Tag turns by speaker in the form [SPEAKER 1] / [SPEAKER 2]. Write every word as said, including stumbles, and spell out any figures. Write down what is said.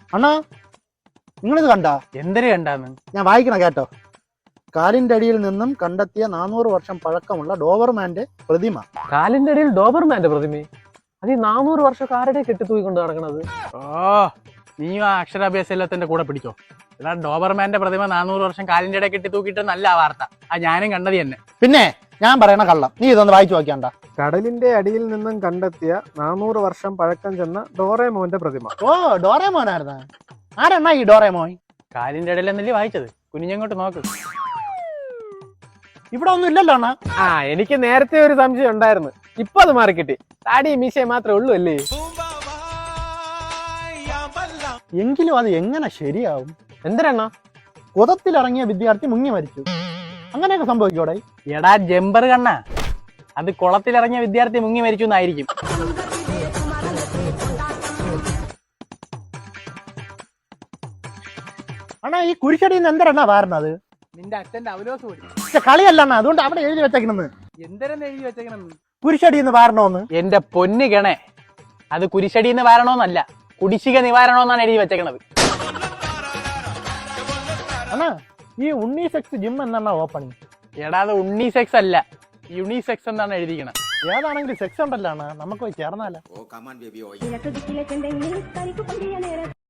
[SPEAKER 1] അണ്ണാ നിങ്ങളിത് കണ്ടാ?
[SPEAKER 2] എന്തിനു കണ്ടാന്ന്
[SPEAKER 1] ഞാൻ വായിക്കണ കേട്ടോ. കാലിന്റെ അടിയിൽ നിന്നും കണ്ടെത്തിയ നാനൂറ് വർഷം പഴക്കമുള്ള ഡോബർമാന്റെ പ്രതിമ.
[SPEAKER 2] കാലിന്റെ അടിയിൽ ഡോബർമാന്റെ പ്രതിമ? അത് ഈ നാനൂറ് വർഷം ആരുടെ കെട്ടിത്തൂക്കിക്കൊണ്ട് നടക്കണത്? ഓ നീ ആ അക്ഷരാഭ്യാസത്തിന്റെ കൂടെ പിടിച്ചോ. എടാ ഡോബർമാന്റെ പ്രതിമ നാനൂറ് വർഷം കാലിന്റെ ഇടയിൽ കെട്ടി തൂക്കിയിട്ട് നല്ല വാർത്ത. ആ ഞാനും കണ്ടത് തന്നെ.
[SPEAKER 1] പിന്നെ ഞാൻ പറയണ കള്ളം നീ ഇതൊന്ന് വായിച്ചു നോക്കിയാണ്ട.
[SPEAKER 3] കടലിന്റെ അടിയിൽ നിന്നും കണ്ടെത്തിയ നാനൂറ് വർഷം പഴക്കം ചെന്ന ഡോറേമോന്റെ പ്രതിമ.
[SPEAKER 1] ഓ ഡോറേമോനായിരുന്ന? ആരെണ്ണ ഈ ഡോറേമോൻ?
[SPEAKER 2] കാലിന്റെ ഇടയിൽ എന്നല്ലേ വായിച്ചത്? കുനിഞ്ഞങ്ങോട്ട് നോക്ക്.
[SPEAKER 1] ഇവിടെ ഒന്നും ഇല്ലല്ലോ അണ്ണാ.
[SPEAKER 3] ആ എനിക്ക് നേരത്തെ ഒരു സംശയം ഉണ്ടായിരുന്നു, ഇപ്പൊ അത് മാറിക്കിട്ടി. താടി മീശയെ മാത്രമേ ഉള്ളൂ അല്ലേ?
[SPEAKER 1] എങ്കിലും അത് എങ്ങനെ ശരിയാവും?
[SPEAKER 3] എന്തിനാ?
[SPEAKER 1] കുതത്തിലിറങ്ങിയ വിദ്യാർത്ഥി മുങ്ങി മരിച്ചു, അങ്ങനെയൊക്കെ സംഭവിക്കോടെ?
[SPEAKER 2] എടാ ജമ്പർ കണ്ണ, അത് കുളത്തിലിറങ്ങിയ വിദ്യാർത്ഥി മുങ്ങി മരിച്ചു എന്നായിരിക്കും.
[SPEAKER 1] അണ്ണാ ഈ കുരിശടിയിൽ നിന്ന് എന്തരണ്ണാ വാരണത്?
[SPEAKER 2] നിന്റെ അച്ഛന്റെ അവലോസ് കൂടി
[SPEAKER 1] പക്ഷെ കളിയല്ല അണ്ണാ, അതുകൊണ്ട് അവിടെ എഴുതി വെച്ചേക്കണെന്ന്.
[SPEAKER 2] എന്തരെന്ന് എഴുതി വെച്ചേക്കണെന്ന്?
[SPEAKER 1] കുരിശടിന്ന് വാരണോന്ന്.
[SPEAKER 2] എന്റെ പൊന്ന് ഗണേ, അത് കുരിശടിന്ന് വാരണോന്നല്ല, കുടിശ്ശിക നിവാരണോന്നാണ് എഴുതി വെച്ചേക്കണത്.
[SPEAKER 1] അണ്ണാ ഈ ഉണ്ണീസെക്സ് ജിം എന്നാ ഓപ്പണിങ്?
[SPEAKER 2] എടാ അത് ഉണ്ണീസെക്സ് അല്ല, യൂണിസെക്സ് എന്നാണ് എഴുതിക്കണത്.
[SPEAKER 1] ഏതാണെങ്കിലും സെക്സ് ഉണ്ടല്ലോ അണ്ണാ, നമുക്ക് പോയി ചേർന്നാലോ?
[SPEAKER 4] Oh, come on, baby. Oh, yeah.